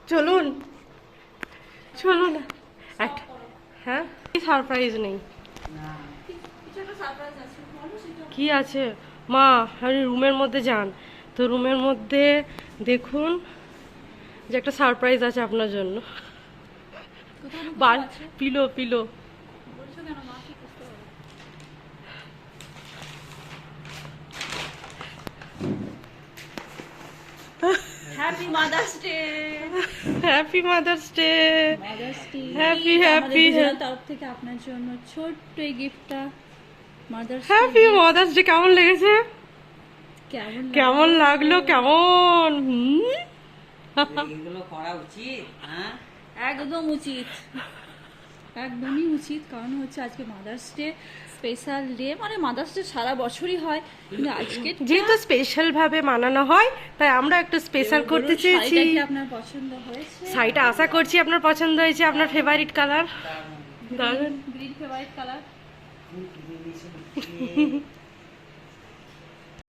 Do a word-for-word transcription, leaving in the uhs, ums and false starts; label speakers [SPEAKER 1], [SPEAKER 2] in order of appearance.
[SPEAKER 1] চলুন চলুন একটা হ্যাঁ সারপ্রাইজ নেই কি আছে মা? আপনি রুমের মধ্যে যান তো, রুমের মধ্যে দেখুন যে একটা সারপ্রাইজ আছে আপনার জন্য। বাল পিলো পিলো
[SPEAKER 2] happy Mother's Day.
[SPEAKER 1] Happy Mother's Day.
[SPEAKER 2] Mother's Day
[SPEAKER 1] happy happy
[SPEAKER 2] তরফ থেকে আপনার জন্য ছোট্ট এই গিফটটা। Mother's
[SPEAKER 1] happy Mother's Day. কেমন লেগেছে?
[SPEAKER 2] কেমন
[SPEAKER 1] কেমন লাগলো? কেমন? হুম
[SPEAKER 3] এগুলো করা উচিত? হ্যাঁ,
[SPEAKER 2] একদম উচিত, একদমই উচিত। কারণ হচ্ছে আজকে মাদার্স ডে, স্পেশাল ডে। মানে মাদার্স ডে সারা বছরই হয়, কিন্তু আজকে
[SPEAKER 1] যেহেতু স্পেশাল ভাবে মানানো হয় তাই আমরা একটু স্পেশাল করতে চেয়েছি।
[SPEAKER 2] শাড়িটা কি আপনার পছন্দ হয়েছে?
[SPEAKER 1] শাড়িটা আশা করছি আপনার পছন্দ হয়েছে। আপনার ফেভারিট কালার? দারুণ।
[SPEAKER 2] Green favourite colour.